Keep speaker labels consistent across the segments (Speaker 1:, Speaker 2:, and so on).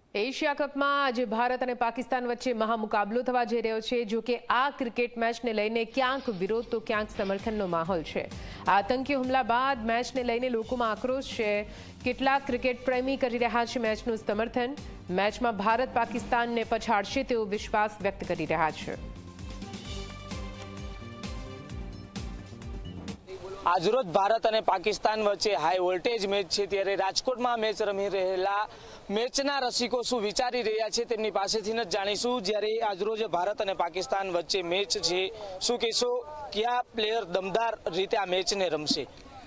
Speaker 1: Asia કપમાં આજે ભારત અને પાકિસ્તાન વચ્ચે મહામુકાબલો થવા જઈ રહ્યો છે। જો કે આ ક્રિકેટ મેચને લઈને ક્યાંક વિરોધ તો ક્યાંક સમર્થનનો માહોલ છે। આતંકી હુમલા બાદ મેચને લઈને લોકોમાં આક્રોશ છે। કેટલાક ક્રિકેટ પ્રેમી કરી રહ્યા છે મેચનું સમર્થન। મેચમાં ભારત પાકિસ્તાનને પછાડશે તેવો વિશ્વાસ વ્યક્ત કરી રહ્યા છે।
Speaker 2: આજરોજ ભારત અને પાકિસ્તાન વચ્ચે હાઈ વોલ્ટેજ મેચ છે, ત્યારે રાજકોટમાં મેચ રમી રહેલા મેચના રસિકો શું વિચારી રહ્યા છે તેમની પાસેથી જ જાણીશું। જ્યારે આજરોજ ભારત અને પાકિસ્તાન વચ્ચે મેચ છે, શું કહેશો, કયા પ્લેયર દમદાર રીતે આ મેચને રમશે?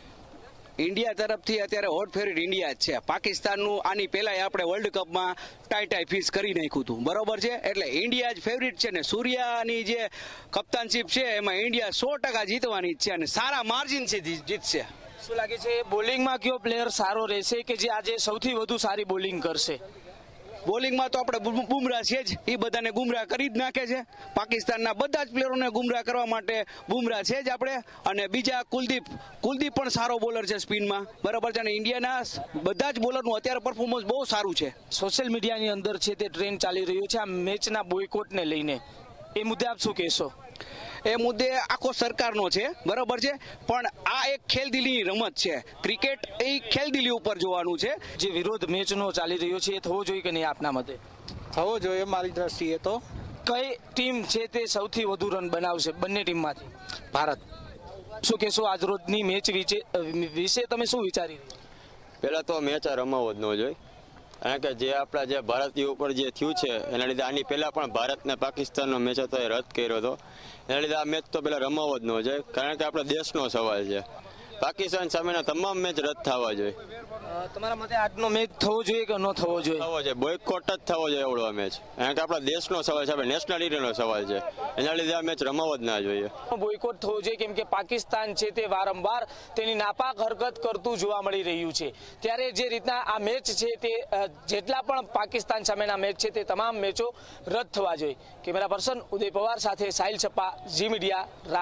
Speaker 3: ઇન્ડિયા તરફથી અત્યારે હોટ ફેવરિટ ઇન્ડિયા જ છે। પાકિસ્તાનનું આની પહેલા આપણે વર્લ્ડ કપમાં ટાઈ ફિશ કરી નાખ્યું હતું, બરોબર છે। એટલે ઇન્ડિયા જ ફેવરિટ છે ને સૂર્યાની જે કપ્તાનશીપ છે એમાં ઇન્ડિયા 100% જીતવાની જ છે અને સારા માર્જિનથી જીતશે।
Speaker 2: શું લાગે છે બોલિંગમાં કયો પ્લેયર સારો રહેશે કે જે આજે સૌથી વધુ સારી બોલિંગ કરશે?
Speaker 3: બોલિંગમાં તો આપણે બુમરાહ છે જ, એ બધાને ગુમરાહ કરી જ નાખે છે। પાકિસ્તાનના બધા જ પ્લેયરોને ગુમરાહ કરવા માટે બુમરાહ છે જ આપણે। અને બીજા કુલદીપ પણ સારો બોલર છે સ્પિનમાં, બરાબર છે। અને ઇન્ડિયાના બધા જ બોલરનું અત્યારે પરફોર્મન્સ બહુ સારું છે।
Speaker 2: સોશિયલ મીડિયાની અંદર છે તે ટ્રેન્ડ ચાલી રહ્યો છે આ મેચના બોયકોટને લઈને, એ મુદ્દે આપ શું કહેશો?
Speaker 3: એ મુદ્દે આખો સરકારનો છે, બરાબર છે, પણ આ એક ખેલદિલીની રમત છે। ક્રિકેટ એ ખેલદિલી ઉપર જોવાનું છે।
Speaker 2: જે વિરોધ મેચનો ચાલી રહ્યો છે એ થવો જોઈએ કે નહીં આપના મતે?
Speaker 4: થવો જોઈએ મારી દ્રષ્ટિએ તો।
Speaker 2: કઈ ટીમ છે તે સૌથી વધુ રન બનાવશે બંને ટીમમાંથી?
Speaker 4: ભારત।
Speaker 2: શું કહેશો આજરોજની મેચ વિશે તમે શું વિચારી?
Speaker 5: પહેલાં તો મેચ આ રમાવો જ ન જોઈએ, કારણ કે જે આપણા જે ભારતીય ઉપર જે થયું છે એના લીધે આની પહેલાં પણ ભારત ને પાકિસ્તાનનો મેચ હતો એ રદ કર્યો હતો। એના લીધે આ મેચ તો પહેલાં રમાવો જ ન જોઈએ, કારણ કે આપણા દેશનો સવાલ છે। પાકિસ્તાન સામેના તમામ મેચ રદ થવા જોઈએ।
Speaker 2: તમારા મતે આજનો મેચ થવો જોઈએ કે ન થવો જોઈએ?
Speaker 5: થવો જોઈએ, બોયકોટ જ થવો જોઈએ એવડો આ મેચ, કારણ કે આપણા દેશનો સવાલ છે, આપણે નેશનાલિટીનો સવાલ છે। એના લીધે આ મેચ રમાવો જ ના જોઈએ।
Speaker 2: બોયકોટ થવો જોઈએ કેમ કે પાકિસ્તાન છે તે વારંવાર તેની નાપાક હરકત કરતું જોવા મળી રહ્યું છે। ત્યારે જે રીતના આ મેચ છે તે જેટલા પણ પાકિસ્તાન સામેના મેચ છે તે તમામ મેચો રદ થવા જોઈએ। કેમેરા પર્સન ઉદય પવાર સાથે સાહિલ છપ્પા, ઝી મીડિયા।